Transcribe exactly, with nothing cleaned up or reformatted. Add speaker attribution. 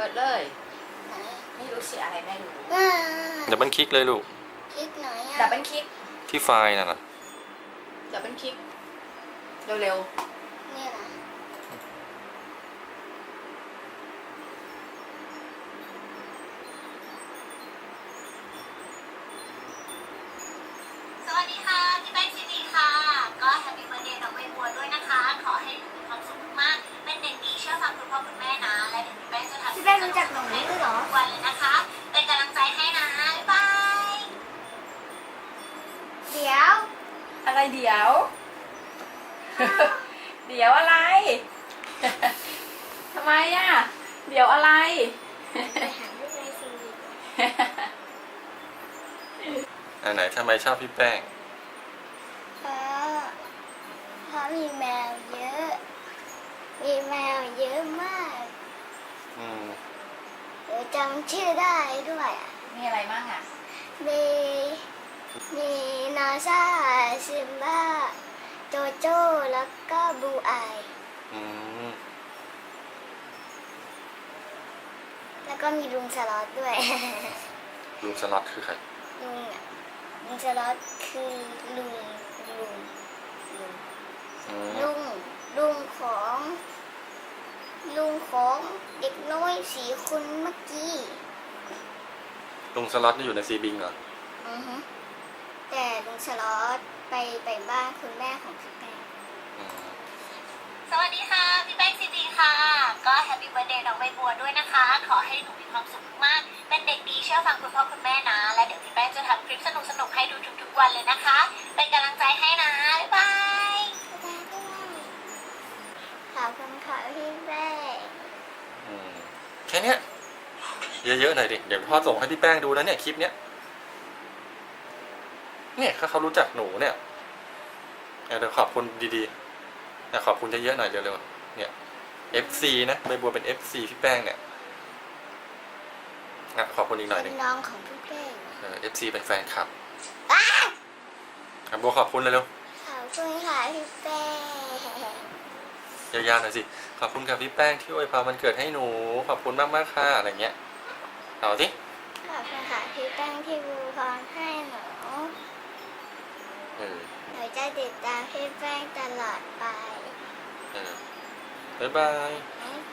Speaker 1: ปิดเลย
Speaker 2: ไหน
Speaker 1: ไม่รู้สิอะไรไม่รู้
Speaker 2: อ่า
Speaker 3: ดับเบิลคลิกเลยลูก
Speaker 2: คลิกหน่อย
Speaker 1: ดั
Speaker 2: อ่ะ
Speaker 1: บเบิลคลิก
Speaker 3: ที่ไฟล์น่ะนะ
Speaker 1: ดับเบิลคลิกเร็ว
Speaker 2: นี่นะ
Speaker 4: สวัสดีค่ะพี่แป้งซีดีค่ะก็แฮปปี้เบิร์ธเดย์น้องใบบัวด้วยนะคะขอให้หนูมีความสุขมากๆเป็นเด็กดีเชื่อฟังคุณพ่อคุณแม่นะและเดี๋ยวพี่แป้งจะทำ
Speaker 2: พี่แป้งรู้จักหนูด้วยเหรอ
Speaker 4: ทุกวันเลยนะคะเป็นกำลังใจให้นะบ๊ายบาย
Speaker 2: เดี๋ยว
Speaker 1: ๆอะไรเดี๋ยว เดี๋ยวอะไร ทำไมอ่ะ เดี๋ยวอะไร
Speaker 2: ไปหาพี่แป้งซีดี
Speaker 3: อันไหนทำไมชอบพี่แป้ง
Speaker 2: เพราะเพราะมีแมวเยอะ มีแมวเยอะมาก
Speaker 3: อืม
Speaker 2: เดี๋ยวจำชื่อได้ด้วยอ่ะ
Speaker 1: มีอะไรบ้างอ่ะ
Speaker 2: มีมีนาซาซิมบ้าโจโจ้แล้วก็บูไอ
Speaker 3: อืม
Speaker 2: แล้วก็มีลุงสล็อตด้วย
Speaker 3: ลุงสล็อตคือใคร
Speaker 2: ลุงอ่ะลุงสล็อตคือลุงลุงลุง
Speaker 3: อืม
Speaker 2: ลุงลุงของลุงของเด็กน้อยสี่คนเมื่อกี้
Speaker 3: ลุงสล็อตนี่อยู่ในซีบิงเหรอ
Speaker 2: อือฮึแต่ลุงสล็อตไปไปบ้านคุณแม่ของพี่แป้ง
Speaker 3: อืม
Speaker 4: สวัสดีค่ะพี่แป้งซีดีค่ะก็แฮปปี้เบิร์ธเดย์น้องใบบัวด้วยนะคะขอให้หนูมีความสุขมากๆเป็นเด็กดีเชื่อฟังคุณพ่อคุณแม่นะและเดี๋ยวพี่แป้งจะทำคลิปสนุกๆให้ดูทุกๆวันเลยนะคะเป็นกำลังใจให้นะบ๊ายบาย
Speaker 2: ขอบคุณค่ะพี่แป้ง
Speaker 3: อืมแค่เนี้ยเยอะๆหน่อยดิ เดี๋ยวพ่อส่งให้พี่แป้งดูนะเนี่ยคลิปเนี้ย เนี่ยถ้าเขารู้จักหนูเนี่ยเดี๋ยวขอบคุณดีๆแต่ขอบคุณเยอะๆหน่อยเร็วๆ เนี่ย เอฟ ซี นะใบบัวเป็น เอฟ ซี พี่แป้งเนี่ยอ่ะขอบคุณอีกหน่อยห
Speaker 2: เป็
Speaker 3: นึ่
Speaker 2: น
Speaker 3: ง
Speaker 2: น้องของพี่แป้ง
Speaker 3: เออ เอฟ ซี เป็นแฟนคลับ
Speaker 2: อ้า
Speaker 3: อ่ะบัวขอบคุณเลยเร็ว
Speaker 2: ขอบคุณค่ะพี่แป้ง
Speaker 3: ยาวๆหน่อยสิ ขอบคุณกับพี่แป้งที่อวยพรวันเกิดให้หนู ขอบคุณมากๆค่ะอะไรเงี้ยเอาสิ
Speaker 2: ขอบคุณค่ะพี่แป้งที่บูพรให้หนู
Speaker 3: เออ
Speaker 2: หนูจะติดตามพี่แป้งตลอดไป
Speaker 3: เออบ๊ายบาย
Speaker 2: บ๊าย